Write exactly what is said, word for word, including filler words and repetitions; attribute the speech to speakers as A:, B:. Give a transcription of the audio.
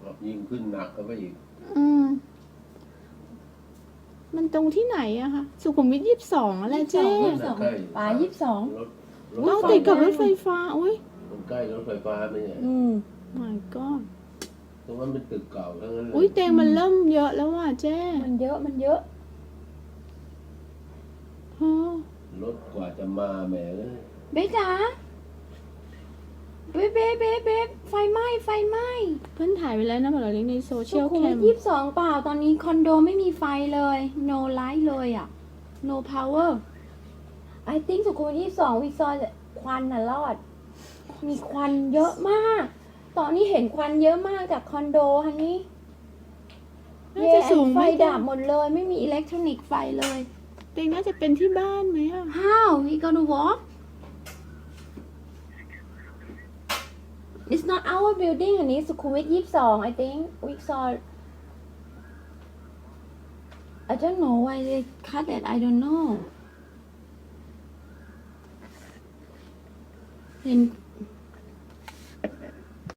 A: ยิ่งขึ้นหนักก็ไปอีก
B: อืมมันตรงที่ไหนอะคะสุขุมวิทยี่สิบสองอะไรเจ๊
C: ยี่สิบสองป่ายี่สิบสอง
A: รถร
B: เรา
A: ถไฟ
B: ติดกับรถไฟฟ้าอุ้ย
A: มันใกล้รถไฟฟ้าไหมเนี่ย
C: อืม
B: my god
A: ตรงนั้นเป็นตึกเก่าทั้งนั้นเลย
B: อุ้ยเตียงมันเริ่มเยอะแล้วว่ะเจ๊
C: มันเยอะมันเยอะ
B: ฮะ
A: รถกว่าจะมาแหมเลย
C: เบ๊จ๋าเบ๊เบ๊เบ๊เบ๊ไฟไหม้ไฟไหม้
B: เพื่อนถ่ายไปแล้วนะบอกเราเลี้ยงในโซเชี
C: สุ
B: ยล
C: ขุม
B: แค
C: วิท
B: ม
C: ยี่สิบสองเปล่าตอนนี้คอนโดไม่มีไฟเลย no light เลยอ่ะ no power I think สุขุมวิทยี่สิบสองวิซอยควันน่ะรอด มีควันเยอะมาก ตอนนี้เห็นควันเยอะมากจากคอนโดฮันนี่
B: น่าจะสูง
C: ไฟ
B: ไม่
C: ดับหมดเลยไม่มีอิเล็กทรอนิกส์ไฟเลย
B: เตียงน่าจะเป็นที่บ้านไหมอะ
C: How we gonna walk It's not our building อันนี้สุขุมวิทยี่สิบสอง I think we saw I don't know why they cut it I don't know เห็น